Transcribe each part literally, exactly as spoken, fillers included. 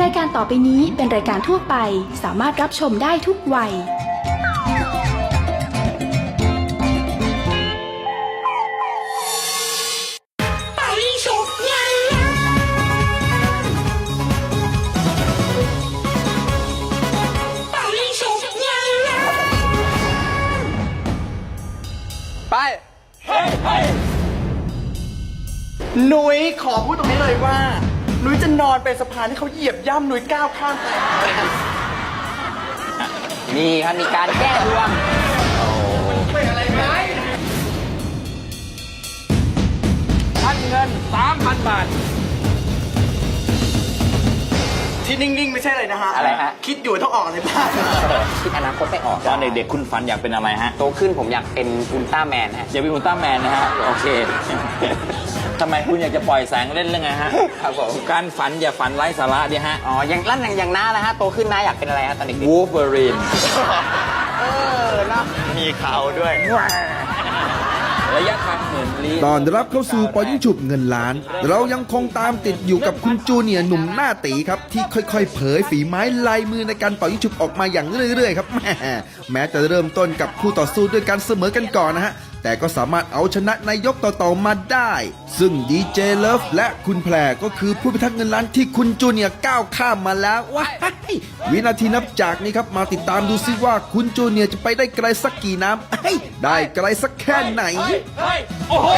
ายการต่อไปนี้เป็นรายการทั่วไปสามารถรับชมได้ทุกวัยไปเฮ้ยเฮ้ยหนุยขอพูดตรงนี้เลยว่าหนุยจะนอนเป็นสะพานที่เขาเหยียบย่ำหนุยก้าวข้ามไปนี่ครับมีการแก้ดวงเป็นอะไรไหมพันเงิน สามพัน บาทที่นิ่งๆไม่ใช่เลยนะฮะอะไรฮะคิดอยู่ต้องออกอะไรบ้างคิดอนาคตไม่ออกตอนเด็กๆคุณฝันอยากเป็นอะไรฮะโตขึ้นผมอยากเป็นอุลตร้าแมนฮะอยากเป็นอุลตร้าแมนนะฮะโอเคทำไมคุณอยากจะปล่อยแสงเล่นเรื่องไงฮะครับผมการฝันอย่าฝันไร้สาระดิฮะอ๋ออย่างลั่นอย่างอย่างน้าแล้วฮะโตขึ้นน้าอยากเป็นอะไรฮะตอนเด็กวูล์ฟเวอรีนเออเนาะมีเขาด้วยระยะทางหมื่นลี้ตอนรับเข้าสู่ปอยิ่งฉุบเงินล้านเรายังคงตามติดอยู่กับคุณจูเนียร์หนุ่มหน้าตีครับที่ค่อยๆเผยฝีไม้ลายมือในการปอยิ่งฉุบออกมาอย่างเรื่อยๆครับแม่แม้จะเริ่มต้นกับคู่ต่อสู้ด้วยการเสมอกันก่อนนะฮะแต่ก็สามารถเอาชนะในยกต่อๆมาได้ซึ่งดีเจเลิฟและคุณแพรก็คือผู้พิทักษ์เงินล้านที่คุณจูเนียร์ก้าวข้ามมาแล้วว้ายวินาทีนับจากนี้ครับมาติดตามดูซิว่าคุณจูเนียร์จะไปได้ไกลสักกี่น้ำได้ไกลสักแค่ไหนโอ้โห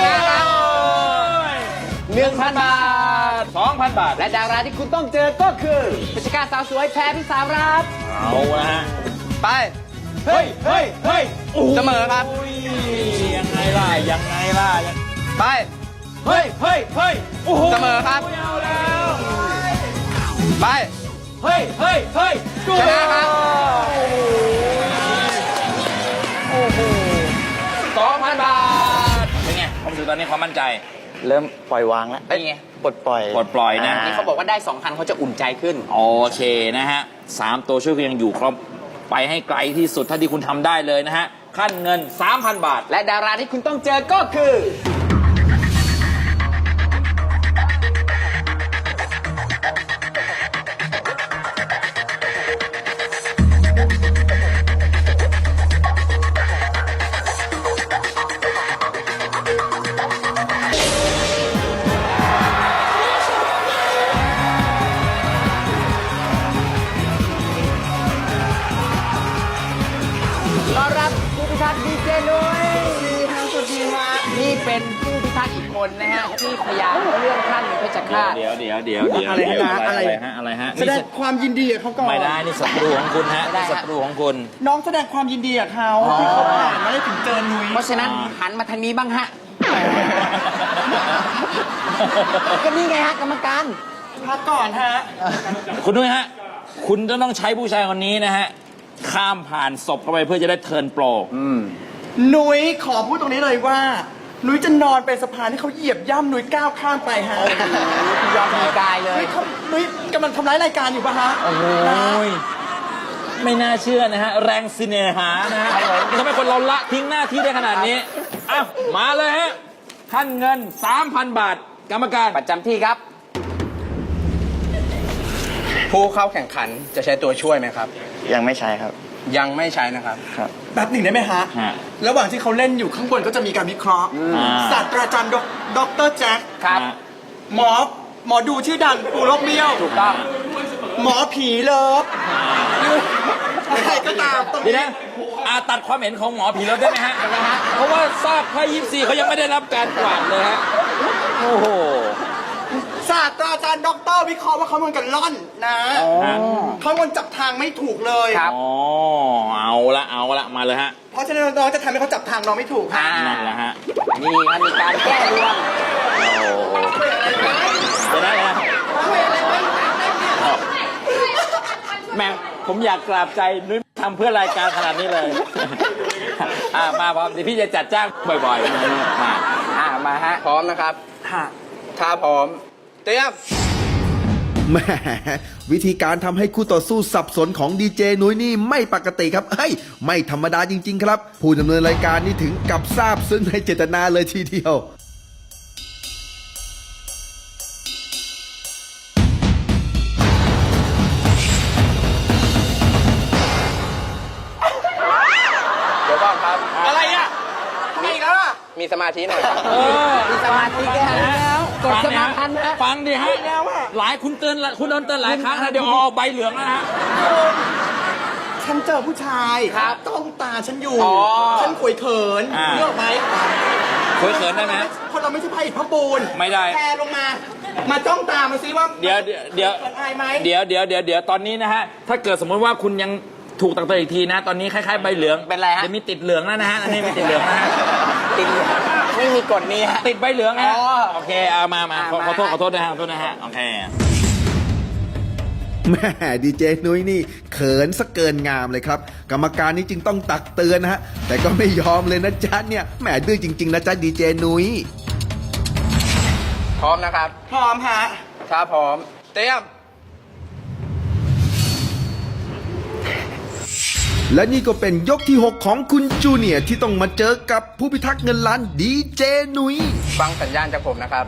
หนึ่งพันบาทสองพัน บาทและดาราที่คุณต้องเจอก็คือพิชกาสาวสวยแพรพิสารัตน์เอาละฮะไปเฮ้ยเฮ้ยเฮ้ยเสมอครับยังไงล่ะยังไงล่ะไปเฮ้ยเฮ้ยเฮ้ยเสมอครับไปเฮ้ยเฮ้ยเฮ้ยชนะครับโอ้โหสองพัน บาทเป็นไงความรู้สึกตอนนี้ความมั่นใจเริ่มปล่อยวางแล้วนี่ไงปลดปล่อยปลดปล่อยนะนี่เขาบอกว่าได้สองพันเขาจะอุ่นใจขึ้นโอเคนะฮะสามตัวช่วยก็ยังอยู่ครบไปให้ไกลที่สุดเท่าที่คุณทำได้เลยนะฮะขั้นเงิน สามพัน บาทและดาราที่คุณต้องเจอก็คือต้อนรับผู้พิทักษ์ดีเจนุ้ยทางสุดทีมานี่เป็นผู้พิทักษ์อีกคนนะฮะที่พยายามเลื่อนขั้นเพชรฆาตเดี๋ยวเดี๋ยวเดี๋ยวเดี๋ยวอะไรฮะอะไรฮะอะไรฮะแสดงความยินดีกับเขาก่อนไม่ได้นี่ศัตรูของคุณฮะนี่ศัตรูของคุณน้องแสดงความยินดีกับเขาที่เขาผ่านมาได้ถึงเจอนุ้ยเพราะฉะนั้นหันมาทางนี้บ้างฮะก็นี่ไงฮะกรรมการพักก่อนฮะคุณนุ้ยฮะคุณจะต้องใช้ผู้ชายคนนี้นะฮะข้ามผ่านศพเข้าไปเพื่อจะได้เทิร์นโปรหนุยขอพูดตรงนี้เลยว่าหนุยจะนอนเป็นสะพานที่เขาเหยียบย่ำหนุยก้าวข้ามไปฮะยอมมีกายเลยหนุยกำลังทำร้ายรายการอยู่ปะฮะโอ้โหไม่น่าเชื่อนะฮะแรงสิเนหานะฮะทำไมคนเราละทิ้งหน้าที่ได้ขนาดนี้อ้าวมาเลยฮะขั้นเงิน สามพัน บาทกรรมการประจำที่ครับผู้เข้าแข่งขันจะใช้ตัวช่วยไหมครับยังไม่ใช้ครับยังไม่ใช้นะครับครับแป๊บหนึ่งได้ไหมฮะระหว่างที่เขาเล่นอยู่ข้างบนก็จะมีการวิเคราะห์ศาสตราจารย์ด็อกเตอร์แจ็คครับหมอหมอดูชื่อดังปูโรคเบี้ยวถูกต้องหมอผีเลิฟอะไรก็ตามดีนะอาตัดความเห็นของหมอผีเลิฟได้ไหมฮะเพราะว่าทราบไพ่ยิปซีเขายังไม่ได้รับการกวาดเลยฮะโอ้โหศาสตราจารย์ด็อกเตอร์วิเคราะห์ว่าเขาเหมือนกันล่อนนะเขามันจับทางไม่ถูกเลยครับอ๋อเอาละเอาละมาเลยฮะเพราะฉะนั้นน้องจะทำให้เขาจับทางน้องไม่ถูกฮะนั่นแหละฮะนี่มันมีการแก้ดวงจะได้ฮะแม่ผมอยากกราบใจนุ้ยทำเพื่อรายการขนาดนี้เลยอ่ามาพร้อมเดี๋ยวพี่จะจัดจ้างบ่อยๆมาอ่ามาฮะพร้อมนะครับถ้าพร้อมเตรียมแหมวิธีการทำให้คู่ต่อสู้สับสนของดีเจนุ้ยนี่ไม่ปกติครับเฮ้ยไม่ธรรมดาจริงๆครับผู้ดำเนินรายการนี่ถึงกับทราบซึ้งในเจตนาเลยทีเดียวพมีสมาธิหน่อยครับเออมีสมาธิแค่นั้นแล้วกดสมาธินะฟังดิฮะแล้วอะหลายคุณเตือนคุณโดนเตือนหลายครั้งนะเดี๋ยวเอาใบเหลืองนะฮะฉันเจอผู้ชายครับต้องตาฉันอยู่อ๋อฉันขวยเขินอ่าเลือกไหมคุยเขินได้ไหมคนเราไม่ใช่พระอิฐพระปูนไม่ได้แพรลงมา มาจ้องตามาซิว่าเดี๋ยวเดี๋ยวเดี๋ยวเขินอายไหมเดี๋ยวเดี๋ยวเดี๋ยวเดี๋ยวตอนนี้นะฮะถ้าเกิดสมมติว่าคุณยังถูกตักเตือนอีกทีนะ ตอนนี้คล้ายๆใบเหลืองเป็นไรฮะจะมีติดเหลืองแล้วนะฮะอันนี้มีติดเหลืองนะฮะติดไม่มีกฎนี้ฮะติดใบเหลืองนะฮะอ๋อโอเคเอามามาขอมาขอโทษขอโทษนะฮะขอโทษนะฮะโอเคแม่ดีเจนุ้ยนี่เขินสะเกินงามเลยครับ กรรมการนี่จึงต้องตักเตือนนะฮะ แต่ก็ไม่ยอมเลยนะจ๊ะเนี่ยแหมดื้อจริง ๆ นะจ๊ะดีเจนุ้ยพร้อมนะครับพร้อมฮะถ้าพร้อม เตรียมและนี่ก็เป็นยกที่ หก ของคุณจูเนียร์ที่ต้องมาเจอกับผู้พิทักษ์เงินล้านดีเจนุ้ยฟังสัญญาณจากผมนะครับ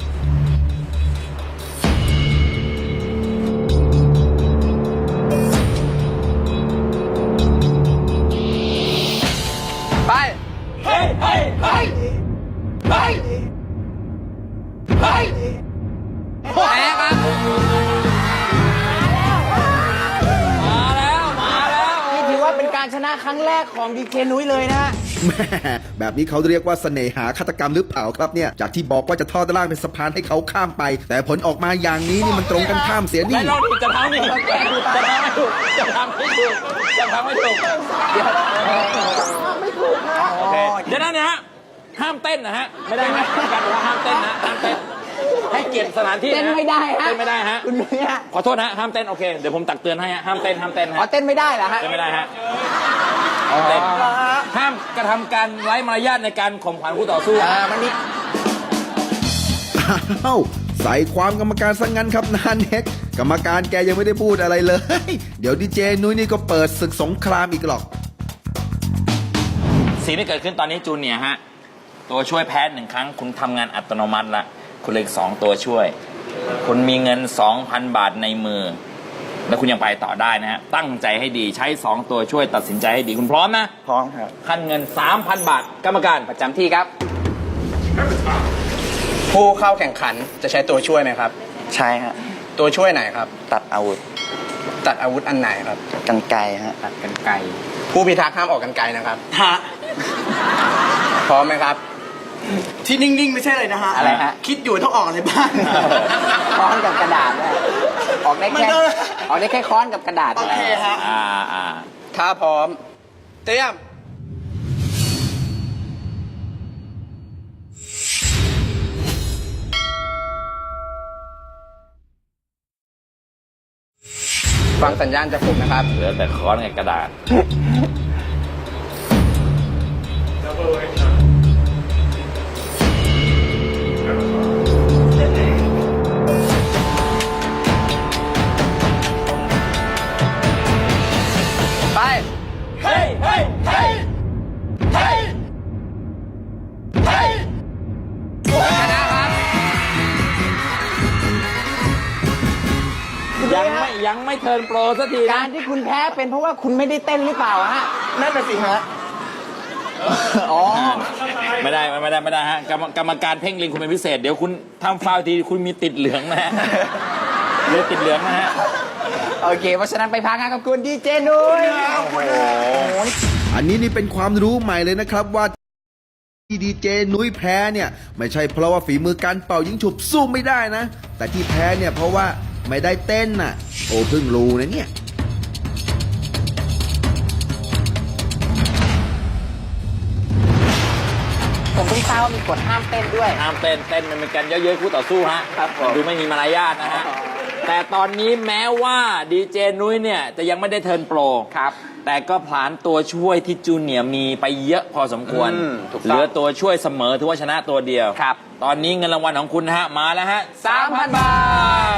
ไปเฮ้ยเฮ้ยเฮ้ยเฮ้ยเฮ้ยแพ้ครับมาแล้วมาแล้วนี่ถือว่าเป็นการชนะครั้งแรกของดีเคนุ้ยเลยนะฮะแม่แบบนี้เขาเรียกว่าเสน่หาฆาตกรรมหรือเปล่าครับเนี่ย จากที่บอกว่าจะทอดร่างเป็นสะพานให้เขาข้ามไป แต่ผลออกมาอย่างนี้นี่มันตรงกันข้ามเสียไม่นี่ลองดิจะทำนี่จะทำไม่ถูกจะทำไม่ถูกจะทำไม่ถูกเดี๋ยวไม่ถูกนะโอเคเดี๋ยวนะเนี่ยฮะห้ามเต้นนะฮะไม่ได้นะการบอกว่าห้ามเต้นนะห้ามเต้นให้เกียรติสถานที่ะเต้นไม่ได้ฮะเต้นไม่ได้ฮะคุณนุ้ยฮะขอโทษนะห้ามเต้นโอเคเดี๋ยวผมตักเตือนให้ฮะห้ามเต้นห้ามเต้นอ๋อฮะเต้นไม่ได้เหรอฮะเต้นไม่ได้ฮะห้ามเต้นห้ามกระทำการไร้มารยาทในการข่มขวัญคู่ต่อสู้อ่ามันมีอ้าวใส่ความกรรมการซะงั้นครับนานเน็กกรรมการแกยังไม่ได้พูดอะไรเลย เดี๋ยวดีเจนุ้ยนี่ก็เปิดศึกสงครามอีกหรอกสิ่งที่เกิดขึ้นตอนนี้จูเนียร์ฮะตัวช่วยแพ้หนึ่งครั้งคุณทำงานอัตโนมัติละคุณเหลยสองตัวช่วย คุณมีเงิน สองพัน บาทในมือ แล้วคุณยังไปต่อได้นะฮะตั้งใจให้ดีใช้สองตัวช่วยตัดสินใจให้ดีคุณพร้อมนะพร้อมครับขั้นเงิน สามพัน บาท กรรมการประจำที่ครับ ผู้เข้าแข่งขันจะใช้ตัวช่วยไหมครับใช่ฮะตัวช่วยไหนครับตัดอาวุธตัดอาวุธอันไหนครับกันไกลฮะตัดกันไกล ผู้พิทักษ์ห้ามออกกันไกลนะครับฮะพร้อมไหมครับที่นิ่ง ๆ ไม่ใช่เลยนะฮะอะไรฮะคิดอยู่ต้องออกอะไรบ้างค้อนกับกระดาษได้ออกได้มันแค่ก็ออกได้แค่ค้อนกับกระดาษโอเคฮะอ่าอ่าถ้าพร้อม เตรียม ฟังสัญญาณจากผมนะครับเหลือแต่ค้อนกับกระดาษไปเฮ้ยเฮ้ยเฮ้ยเฮ้ยเฮ้ยชนะครับยังไม่ยังไม่เทิร์นโปรสักทีกานะรที่คุณแพ้เป็นเพราะว่าคุณไม่ได้เต้นหรือเปล่าฮะนั่นน่ะสิฮะอ๋อไม่ได้ไม่ได้ไม่ได้ฮะกรรมกรรมการเพ่งเล็งคุณเป็นพิเศษ เดี๋ยวคุณทำฟาวล์ทีคุณมีติดเหลืองนะฮะเลยติดเหลืองนะฮะโอเค เพราะฉะนั้นไปพักงานกับคุณดีเจนุ้ยอันนี้นี่เป็นความรู้ใหม่เลยนะครับว่าที่ดีเจนุ้ยแพ้เนี่ยไม่ใช่เพราะว่าฝีมือการเป่ายิงฉุบสู้ไม่ได้นะ แต่ที่แพ้เนี่ยเพราะว่าไม่ได้เต้นน่ะ โอ้เพิ่งรู้นะเนี่ยผมเพิ่งทราบว่ามีกฎห้ามเต้นด้วยห้ามเต้นเต้นมันเป็นการเยอะๆคู่ต่อสู้ฮะครับผมดูไม่มีมารยาทนะฮะ แต่ตอนนี้แม้ว่าดีเจนุ้ยเนี่ยจะยังไม่ได้เทิร์นโปรครับแต่ก็ผลานตัวช่วยที่จูเนียร์มีไปเยอะพอสมควรอืมถูกต้องเหลือตัวช่วยเสมอถือว่าชนะตัวเดียวครับตอนนี้เงินรางวัลของคุณนะฮะ มาแล้วฮะสามพัน บาท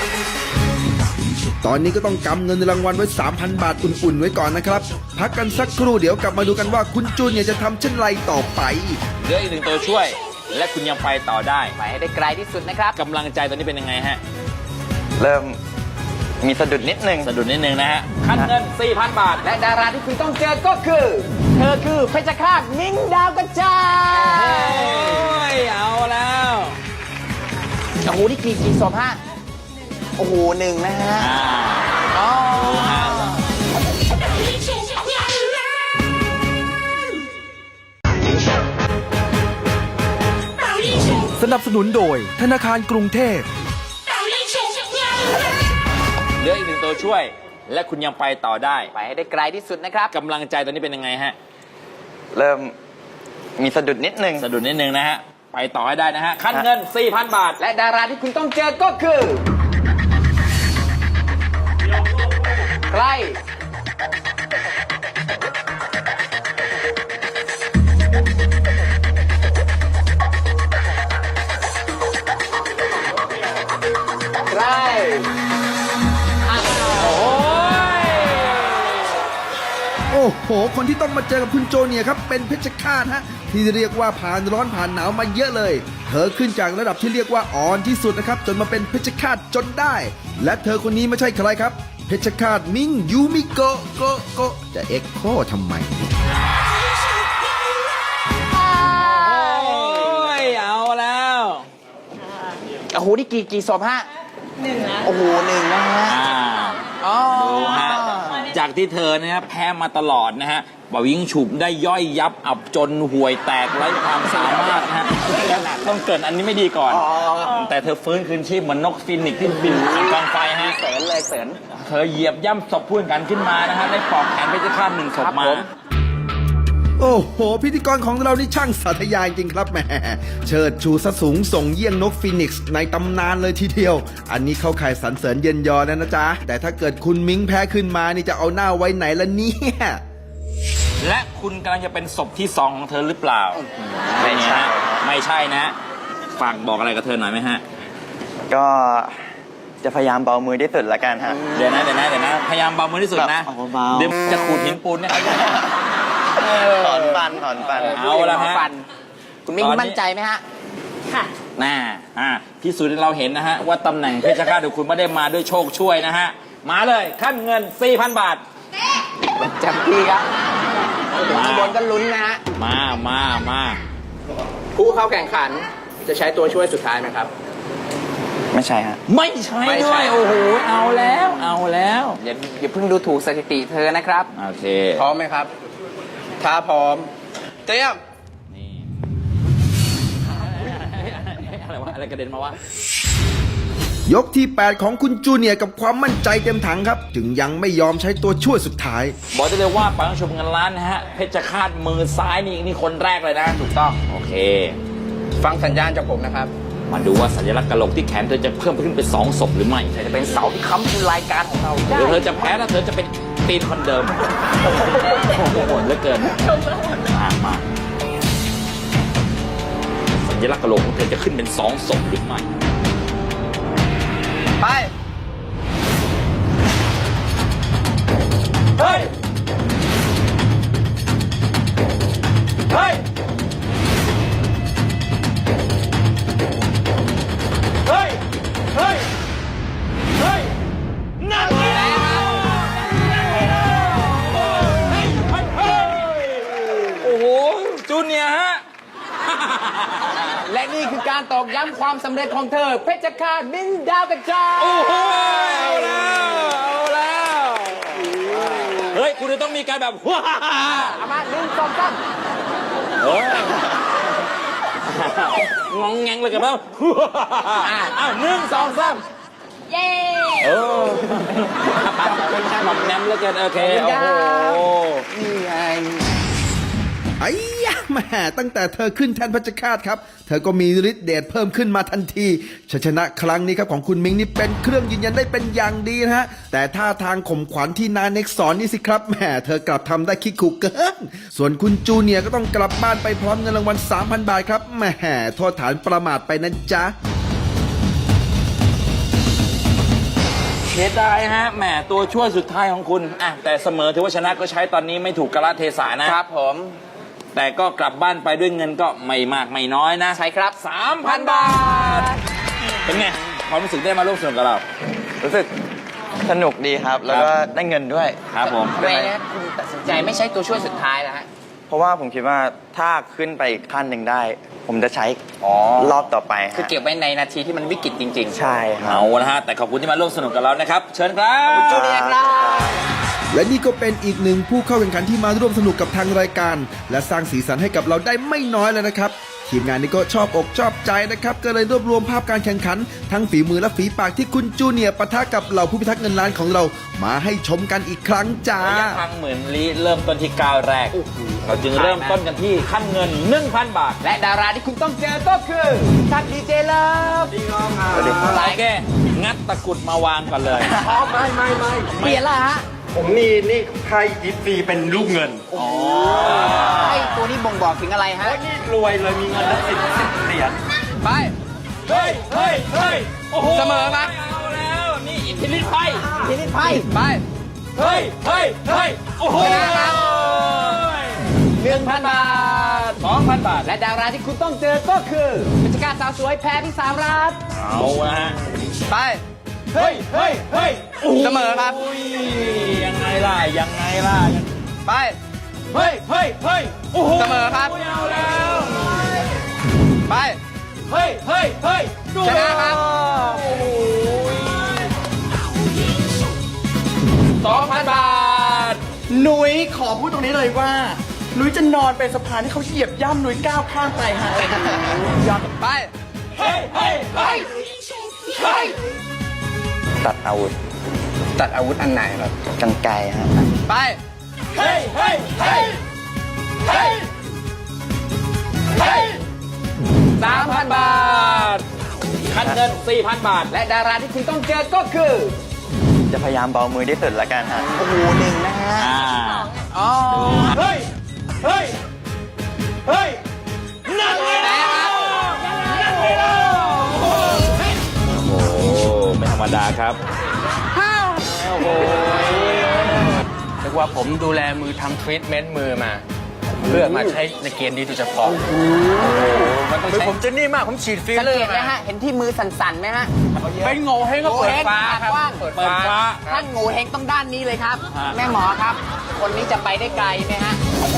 ตอนนี้ก็ต้องกำเงินรางวัลไว้ สามพัน บาทอุ่นๆไว้ก่อนนะครับ พักกันสักครู่เดี๋ยวกลับมาดูกันว่าคุณจูเนียร์จะทำเช่นไรต่อไปเหลืออีกหนึ่งตัวช่วย และคุณยังไปต่อได้ไปให้ได้ไกลที่สุดนะครับกำลังใจตอนนี้เป็นยังไงฮะเริ่มมีสะดุดนิดนึงสะดุดนิดนึงนะฮะขั้นเงิน สี่พัน บาทและดาราที่คุณต้องเจอก็คือ เธอคือเพชรฆาตมิ้งดาวกระจาโอ้ยยเอาแล้วโอ้โหนี่กี่กี่ศพฮะโอ้โหหนึ่งนะฮะอ่าอ๋อสนับสนุนโดยธนาคารกรุงเทพเหลืออีกหนึ่งตัวช่วย และคุณยังไปต่อได้ไปให้ได้ไกลที่สุดนะครับกำลังใจตอนนี้เป็นยังไงฮะเริ่มมีสะดุดนิดนึงสะดุดนิดนึงนะฮะ ไปต่อให้ได้นะฮะขั้นเงิน สี่พัน บาทและดาราที่คุณต้องเจอก็คือใครใครโอ้ยโอ้โห คนที่ต้องมาเจอกับคุณโจเนียร์ครับ เป็นเพชรฆาตฮะ ที่เรียกว่าผ่านร้อนผ่านหนาวมาเยอะเลย เธอขึ้นจากระดับที่เรียกว่าอ่อนที่สุดนะครับ จนมาเป็นเพชรฆาตจนได้ และเธอคนนี้ไม่ใช่ใครครับ เพชรฆาตมิงยูมิโกะโกะโกะจะเอ็กโคทำไมโอ้ย เอาแล้วโอ้โหนี่กี่กี่ศพฮะหนึ่งนะโอ้โหหนึ่งนะฮะอ่าอ๋อดูฮะ จากที่เธอเนี่ยแพ้มาตลอดนะฮะบ่าวิ่งฉุบได้ย่อยยับอับจนห่วยแตกไร้ความสามารถนะฮะต้องเกรินอันนี้ไม่ดีก่อน แต่เธอฟื้นคืนชีพเหมือนนกฟินิกซ์ที่บินผ่านกองไฟฮะเสริญเลยเสริญเธอเหยียบย่ำศพผู้แข่งขันขึ้นมานะฮะได้ปลอกแขนเพชรฆาตหนึ่งศพครับมาผมโอ้โห พิธีกรของเรานี่ช่างสาธยายจริงครับแหมเชิดชูสะสูงส่งเยี่ยงนกฟีนิกซ์ในตำนานเลยทีเดียว อันนี้เข้าข่ายสรรเสริญเย็นยอนะนะจ๊ะ แต่ถ้าเกิดคุณมิ้งแพ้ขึ้นมานี่จะเอาหน้าไว้ไหนละเนี่ยและคุณกำลังจะเป็นศพที่สองของเธอหรือเปล่าไม่ใช่ฮะไม่ใช่นะ ฝากบอกอะไรกับเธอหน่อยไหมฮะก็จะพยายามเบามือที่สุดละกันฮะเดี๋ยวนะเดี๋ยวนะเดี๋ยวนะพยายามเบามือที่สุดนะแบบเบาๆเดี๋ยวจะขูดหินปูนเนี่ยถอนฟันถอนฟันเอาละฮะฟันคุณมิ้งตอนนี้มั่นใจไหมฮะค่ะน่าอ่าที่สุดเราเห็นนะฮะว่าตำแหน่งเพชรฆาตของคุณไม่ได้มาด้วยโชคช่วยนะฮะมาเลยขั้นเงิน สี่พัน บาทจำพี่ครับถึงข้างบนก็ลุ้นนะฮะมามามาผู้เข้าแข่งขันจะใช้ตัวช่วยสุดท้ายไหมครับไม่ใช่ฮะไม่ใช่ไม่ด้ใช่วยโอ้โหเอาแล้วเอาแล้วอย่าอย่าเพิ่งดูถูกสถิติเธอนะครับโอเคพร้อมไหมครับ ถ้าพร้อม เตรียมนี่อะไรวะอะไรกระเด็นมาวะยกที่ แปด ของคุณจูเนียร์กับความมั่นใจเต็มถังครับ จึงยังไม่ยอมใช้ตัวช่วยสุดท้ายบอกได้เลยว่าไปต้องชมเงินล้านนะฮะเพชรฆาตมือซ้ายนี่นี่คนแรกเลยนะถูกต้องโอเคฟังสัญญาณจากผมนะครับมาดูว่าสัญลักษณ์กะโหลกที่แขนเธอจะเพิ่มขึ้นเป็นสองศพหรือไม่จะเป็นเสาที่ค้ำคือรายการของเราหรือเธอจะแพ้แล้วเธอจะเป็นตีนคนเดิมโอ้โหโหดเหลือเกินมากมากสัญลักษณ์กะโหลกของเธอจะขึ้นเป็นสองศพหรือไม่ไปเฮ้ยเฮ้ยเฮ้ยเฮ้ยเฮ้ยนั่นไงโอ้โหจูเนียร์ฮะและนี่คือการตอกย้ำความสำเร็จของเธอ เพชรฆาตมิ้งดาวกระจายโอ้โหเอาแล้วเอาแล้วเฮ้ยคุณจะต้องมีการแบบว้าเอามาหนึ่งสองสามเฮ้ยงองแงงเลยกับเราอ้าวหนึ่งสองสามเย้เออหม่อมแนมแล้วกันโอเคโอ้โหนี่ไงไอ้ยะแหม่ตั้งแต่เธอขึ้นแทนเพชรฆาตครับ เธอก็มีฤทธิ์เดชเพิ่มขึ้นมาทันทีชัยชนะครั้งนี้ครับของคุณมิงนี่เป็นเครื่องยืนยันได้เป็นอย่างดีนะฮะ แต่ท่าทางข่มขวัญที่นาเน็กสอนนี่สิครับแหมเธอกลับทำได้คิกขู่เกิน ส่วนคุณจูเนียร์ก็ต้องกลับบ้านไปพร้อมเงินรางวัล สามพัน บาทครับแหมโทษฐานประมาทไปนะจ๊ะเสียดายฮะแหมตัวช่วยสุดท้ายของคุณอ่ะแต่เสมอถือว่าชนะก็ใช้ตอนนี้ไม่ถูกกาลเทศะนะครับผมแต่ก็กลับบ้านไปด้วยเงินก็ไม่มากไม่น้อยนะใช่ครับสามพัน บาท เป็นไงความรู้สึกได้มาร่วมสนุกกับเรารู้สึกสนุกดีครับ แล้วก็ได้เงินด้วยครับผมทำไมนะคุณตัดสินใจไม่ใช้ตัวช่วยสุดท้ายนะฮะเพราะว่าผมคิดว่าถ้าขึ้นไปอีกขั้นหนึ่งได้ ผมจะใช้รอบต่อไปฮะคือเก็บไว้ในนาทีที่มันวิกฤตจริงๆใช่ครับเอาละฮะแต่ขอบคุณที่มาร่วมสนุกกับเรานะครับ เชิญครับจูเนียร์ครับและนี่ก็เป็นอีกหนึ่งผู้เข้าแข่งขันที่มาร่วมสนุกกับทางรายการ และสร้างสีสันให้กับเราได้ไม่น้อยเลยนะครับ ทีมงานนี้ก็ชอบอกชอบใจนะครับ ก็เลยรวบรวมภาพการแข่งขัน ทั้งฝีมือและฝีปากที่คุณจูเนียร์ปะทะกับเหล่าผู้พิทักษ์เงินล้านของเรา มาให้ชมกันอีกครั้งจ้าระยะทางหมื่นลี้เริ่มต้นที่ก้าวแรก เราจึงเริ่มต้นกันที่ขั้นเงิน หนึ่งพัน บาทและดาราที่คุณต้องเจอก็คือท่านดีเจเลิฟสวัสดีครับโอเค งัดตะกรุดมาวางก่อนเลยอ๋อไม่ไม่ไม่เปลี่ยนละฮะผมนี่นี่ใครยิปซีเป็นลูกเงินไอ้ตัวนี้บ่งบอกถึงอะไรฮะโอ้ยนี่รวยเลยมีเงินละสิบสิบเหรียญไปเฮ้ย เฮ้ย เฮ้ย โอ้โหเสมอครับเอาแล้ว นี่อิทธิฤทธิ์ไพ่ทีนี้ไปไปเฮ้ย เฮ้ย เฮ้ย โอ้โหชนะครับ หนึ่งพันบาทสองพัน บาทและดาราที่คุณต้องเจอก็คือกิจการสาวสวยแพรพิสามรัตน์เอาละฮะไปเฮ้ย เฮ้ย เฮ้ยโอ้โหเสมอครับยังไงล่ะ ยังไงล่ะไปเฮ้ย เฮ้ย เฮ้ย โอ้โหเสมอครับเอาแล้วไปเฮ้ย เฮ้ย เฮ้ยดูชนะครับโอ้โหสองพัน บาทหนุยขอพูดตรงนี้เลยว่าหนุยจะนอนเป็นสะพานที่เขาเหยียบย่ำหนุยก้าวข้ามไปฮะยอดไปเฮ้ย เฮ้ย เฮ้ย เฮ้ยตัดอาวุธตัดอาวุธอันไหนครับกันไกลฮะไปเฮ้ย เฮ้ย เฮ้ย เฮ้ย เฮ้ยสามพัน บาทคันเงิน สี่พัน บาทและดาราที่คุณต้องเจอก็คือจะพยายามเบามือที่สุดละกันฮะโอ้โหหนึ่งนะฮะอ่าอ๋อเฮ้ย เฮ้ย เฮ้ยนั่นไงล่ะนั่นไงล่ะโอ้โห ไม่ธรรมดาครับ โอ้โหเรียกว่าผมดูแลมือทำทรีทเมนต์มือมา เพื่อมาใช้ในเกณฑ์นี้โดยเฉพาะมันต้องมือใช้ผมจะนิ่มมาก ผมฉีดฟิลสังเลอเกร์ตไหมฮะ เห็นที่มือสั่นๆไหมฮะเป็นโง่เฮงก็เปิดฟ้าครับโง่เห้งกว้างเปิดเปิดฟ้าฟ้าท่านงูเฮงต้องด้านนี้เลยครับฮะแม่หมอครับ คนนี้จะไปได้ไกลไหมฮะ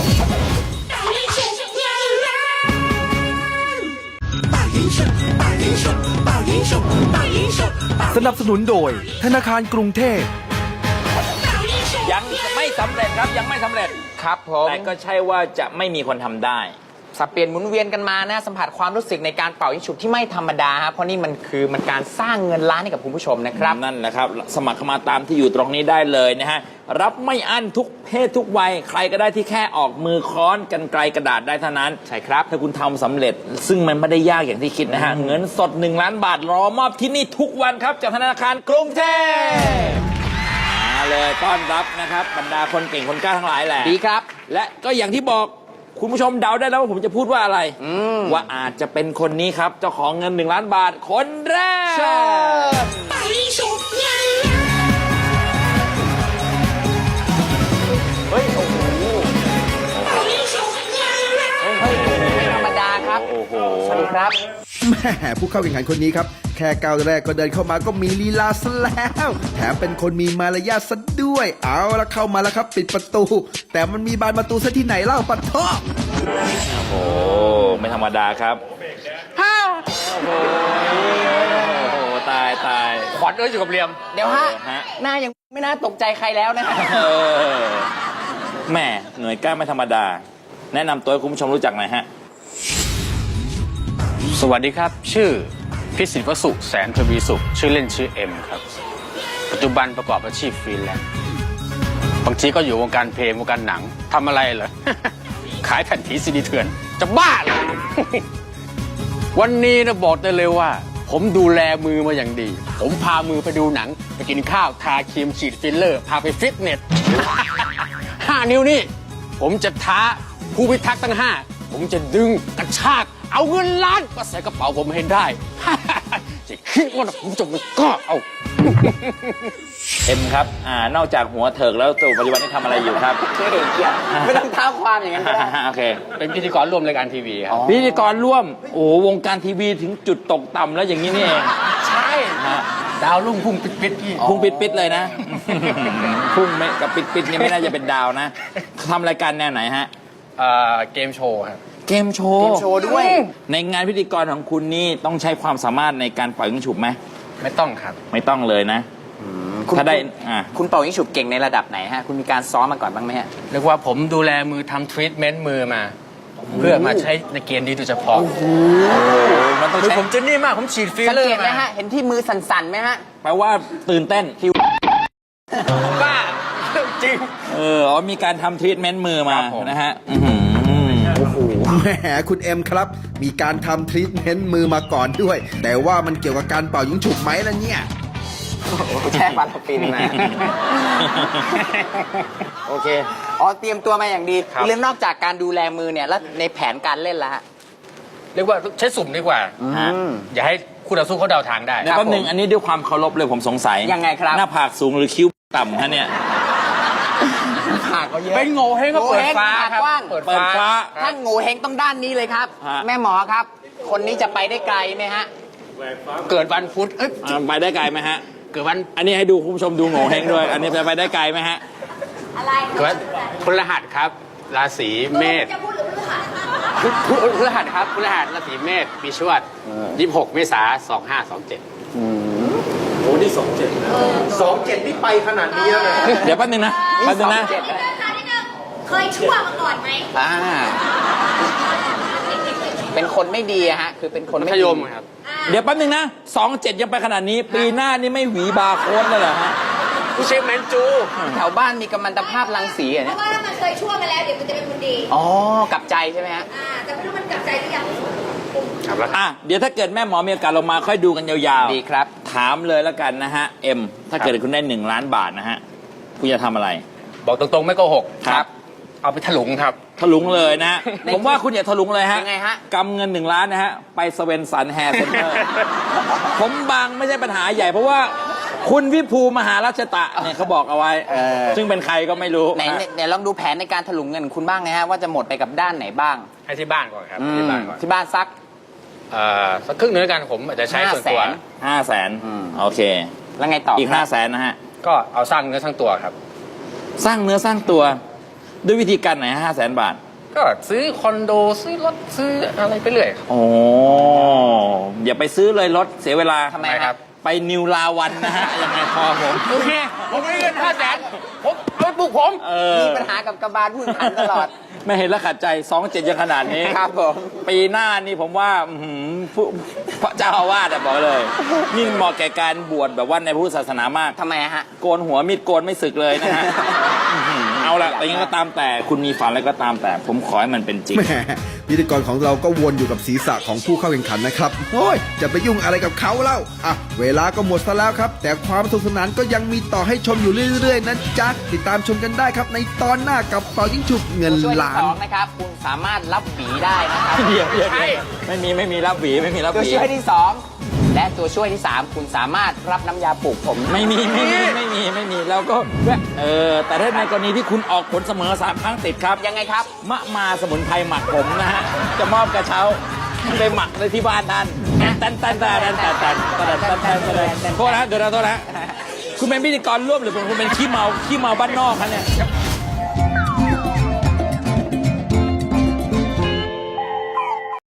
สนับสนุนโดยธนาคารกรุงเทพยังไม่สำเร็จครับ ยังไม่สำเร็จครับผมแต่ก็ใช่ว่าจะไม่มีคนทำได้สับเปลี่ยนหมุนเวียนกันมานะ สัมผัสความรู้สึกในการเป่ายิงฉุบที่ไม่ธรรมดาฮะเพราะนี่มันคือมันการสร้างเงินล้านให้กับคุณผู้ชมนะครับนั่นแหละครับ สมัครเข้ามาตามที่อยู่ตรงนี้ได้เลยนะฮะ รับไม่อั้นทุกเพศทุกวัย ใครก็ได้ที่แค่ออกมือค้อนกันไกลกระดาษได้เท่านั้น ใช่ครับ ถ้าคุณทำสำเร็จ ซึ่งมันไม่ได้ยากอย่างที่คิดนะฮะ เงินสดหนึ่งล้านบาทรอมอบที่นี่ทุกวันครับ จากธนาคารกรุงเทพมาเลยต้อนรับนะครับบรรดาคนเก่งคนกล้าทั้งหลายแหละดีครับและก็อย่างที่บอกคุณผู้ชมเดาได้แล้วว่าผมจะพูดว่าอะไร ว่าอาจจะเป็นคนนี้ครับ เจ้าของเงินหนึ่งล้านบาทคนแรกเชิญเฮ้ย โอ้โหเฮ้ยไม่ธรรมดาครับโอ้โหสวัสดีครับแม่ผู้เข้าแข่งขันคนนี้ครับ แค่ก้าวแรกก็เดินเข้ามาก็มีลีลาซะแล้ว แถมเป็นคนมีมารยาทซะด้วย เอาละเข้ามาแล้วครับ ปิดประตู แต่มันมีบานประตูซะที่ไหนเล่าปัดท่อโอ้โห ไม่ธรรมดาครับ โอ้โห โอ้โห ตายตายขวัญเอ้ยอยู่กับเรียมเดี๋ยวฮะเออฮะหน้ายังไม่น่าตกใจใครแล้วนะฮะเออแหม่หน่วยกล้าไม่ธรรมดา แนะนำตัวให้คุณผู้ชมรู้จักหน่อยฮะสวัสดีครับ ชื่อพิสิทธิ์วสุแสนทวีสุข ชื่อเล่นชื่อเอ็มครับ ปัจจุบันประกอบอาชีพฟรีแลนซ์บางทีก็อยู่วงการเพลงวงการหนังทำอะไรเหรอ ขายแผ่นผีซีดีเถื่อน จะบ้าเหรอ วันนี้นะบอกได้เลยว่า ผมดูแลมือมาอย่างดี ผมพามือไปดูหนัง ไปกินข้าว ทาครีมฉีดฟิลเลอร์ พาไปฟิตเนส ห้านิ้วนี่ ผมจะท้าผู้พิทักษ์ทั้งห้า ผมจะดึงกระชาก เอาเงินล้านมาใส่กระเป๋าผมให้ได้ จะคิดว่าผมจะไม่กล้าเอาเอ็มครับ อ่า นอกจากหัวเถิกแล้วตัวปัจจุบันนี้ทำอะไรอยู่ครับเฮ้ยเกียรติไม่ต้องเท้าความอย่างนั้นก็ได้โอเคเป็นพิธีกรร่วมรายการทีวีครับพิธีกรร่วม โอ้โหวงการทีวีถึงจุดตกต่ำแล้วอย่างนี้นี่เองใช่ฮะดาวรุ่งพุ่งปิดๆพี่พุ่งปิดปิดๆเลยนะ พุ่งไม่กับปิดปิดๆเนี่ยไม่น่าจะเป็นดาวนะทำรายการแนวไหนฮะเอ่อเกมโชว์ครับเกมโชว์เกมโชว์ด้วยในงานพิธีกรของคุณนี่ต้องใช้ความสามารถในการปล่อยยิงฉุบไหมไม่ต้องครับไม่ต้องเลยนะคุณถ้าได้อ่าคุณเป่ายิงฉุบเก่งในระดับไหนฮะ คุณมีการซ้อมมาก่อนบ้างไหมฮะเรียกว่าผมดูแลมือทำทรีทเมนต์มือมา เพื่อมาใช้ในเกมนี้โดยเฉพาะมันต้องมือใช้ผมจะนี่มากผมฉีดฟิลสังเลอเกตร์ไหมมาฮะ เห็นที่มือสั่นๆไหมฮะแปลว่าตื่นเต้นบ้าจริงเอออ๋อมีการทำทรีทเมนต์มือมาครับผมนะฮะอื้อหือแหมคุณเอ็มครับ มีการทำทรีทเมนต์มือมาก่อนด้วย แต่ว่ามันเกี่ยวกับการเป่ายิงฉุบไหมล่ะเนี่ยแช่ปาราฟินมา โอเค อ๋อ เตรียมตัวมาอย่างดีครับเรื่องนอกจากการดูแลมือเนี่ย แล้วในแผนการเล่นละฮะเรียกว่าใช้สุ่มดีกว่าฮะอย่าให้คู่ต่อสู้เขาเดาทางได้เดี๋ยวแป๊บหนึงอันนี้ด้วยความเคารพเลยผมสงสัยยังไงครับหน้าผากสูงหรือคิ้วต่ำฮะเนี่ยผากก็เยอะเป็นโง่เฮงก็เปิดฟ้าโง่เห้งครับปากกว้างเปิดเปิดฟ้าถ้าโง่เฮงต้องด้านนี้เลยครับฮะแม่หมอครับ คนนี้จะไปได้ไกลไหมฮะเกิดวันพุธเอ้ยอ่าไปได้ไกลไหมฮะเกิดวันอันนี้ให้ดูคุณผู้ชมดูโง่เฮงด้วย อันนี้จะไปได้ไกลไหมฮะเกิดวันพฤหัสครับ ราศีเมษพุธพุธพฤหัสครับพฤหัสราศีเมษปีชวดยี่สิบหกเมษาสองห้าสองเจ็ดสองเจ็ดนี่ไปขนาดนี้แล้วนะเดี๋ยวแป๊บหนึงนะแป๊บหนึงนะเจ็ดนิดนึงค่ะนิดนึงเคยชั่วมาก่อนไหมอ่า เป็นคนไม่ดีอะฮะ คือเป็นคนมัไม่ธดียมครับเดี๋ยวแป๊บหนึงนะสองเจ็ดยังไปขนาดนี้ ปีหน้านี่ไม่หวีบาร์โค้ดเลยเหรอฮะผู้เชฟแมนจูแถวบ้านมีกัมมันตภาพรังสีอะเพเนี่ยราะว่าถ้ามันเคยชั่วมาแล้วเดี๋ยวมันจะเป็นคนดีอ๋อกลับใจใช่ไหมฮะอ่า แต่ไม่รู้มันกลับใจหรือยังครับแล้วอ่ะเดี๋ยวถ้าเกิดแม่หมอมีโอกาสลงมาค่อยดูกันยาวๆดีครับถามเลยแล้วกันนะฮะ เอ็ม ถ้าเกิดคุณได้หนึ่งล้านบาทนะฮะ คุณจะทำอะไรบอกตรงๆไม่โกหกครับเอาไปถลุงครับถลุงเลยนะฮะ ผมว่าคุณอย่าถลุงเลยฮะยังไงฮะกำเงินหนึ่งล้านนะฮะ ไปสเวนสันแฮร์เซ็นเตอร์ ผมบางไม่ใช่ปัญหาใหญ่ เพราะว่าคุณวิภูมหาราชตะเนี่ยเขาบอกเอาไว้ ซึ่งเป็นใครก็ไม่รู้ไหนไหนลองดูแผนในการถลุงเงินคุณบ้างนะฮะ ว่าจะหมดไปกับด้านไหนบ้างให้ที่บ้านก่อนครับอืมที่บ้านก่อนที่บ้านซักเอ่อสักครึ่งหนึงแล้วกันผมอาจจะใช้ส่วนตัวห้าแสนห้าแสนอืมโอเคแล้วไงต่ออีกคห้ารับแสนนะฮะก็เอาสร้างเนื้อสร้างตัวครับสร้างเนื้อสร้างตัว ด้วยวิธีการไหนห้าแสนบาทก็ซื้อคอนโดซื้อรถซื้ออะไรไปเรื่อยครับโอ้อย่าไปซื้อเลยรถเสียเวลาทำไมคครัรับ บไปนิวลาวันนะฮะ ยังไงพอผมโอเคผมไม่ได้เงินห้าแสนผมเอาไปปลูกผมเออมีปัญหากับกระบาลพูดขันตลอดไม่เห็นแล้วขัดใจสองเจ็ดยังขนาดนี้ครับผมปีหน้านี่ผมว่าอื้อหือผู้พระเจ้าอาวาสอะบอกเลย นี่เหมาะแก่การบวชแบบว่าในพุทธศาสนามากทำไมอะฮะโกนหัวมีดโกนไม่สึกเลยนะฮะอื้อหือเอาละแต่ยังไงก็ตามแต่คุณมีฝันอะไรก็ตามแต่ ผมขอให้มันเป็นจริงแหมพิธีกรของเราก็วนอยู่กับศีรษะของผู้เข้าแข่งขันนะครับโอ้ยจะไปยุ่งอะไรกับเขาเล่าอ่ะเวลาก็หมดซะแล้วครับ แต่ความสนุกสนานก็ยังมีต่อให้ชมอยู่เรื่อยๆนะจ๊ะติดตามชมกันได้ครับในตอนหน้ากับเป่ายิงฉุบเงินช่วยที่ล้าสนองนะครับ คุณสามารถรับหวีได้นะครับเดี๋ยวเดี๋ยวเดี๋ยวไม่มีไม่มีรับหวีไม่มีรับตัวหวีช่วยที่สองและตัวช่วยที่สามคุณสามารถรับน้ำยาปลูกผมไม่มีไม่มีไม่มีไม่มีแล้วก็เออแต่ถ้าในกรณีที่คุณออกผลเสมอสามครั้งติดครับยังไงครับมะมาสมุนไพรหมักผมนะฮะ จะมอบกระเช้าไปหมักในที่บ้านท่านตันตันตันตันตันตันตันตันตันตันตันโทษนะเดี๋ยวนะโทษนะคุณเป็นพิธีกรร่วมหรือคุณเป็นขี้เมาขี้เมาบ้านนอกคะเนี่ย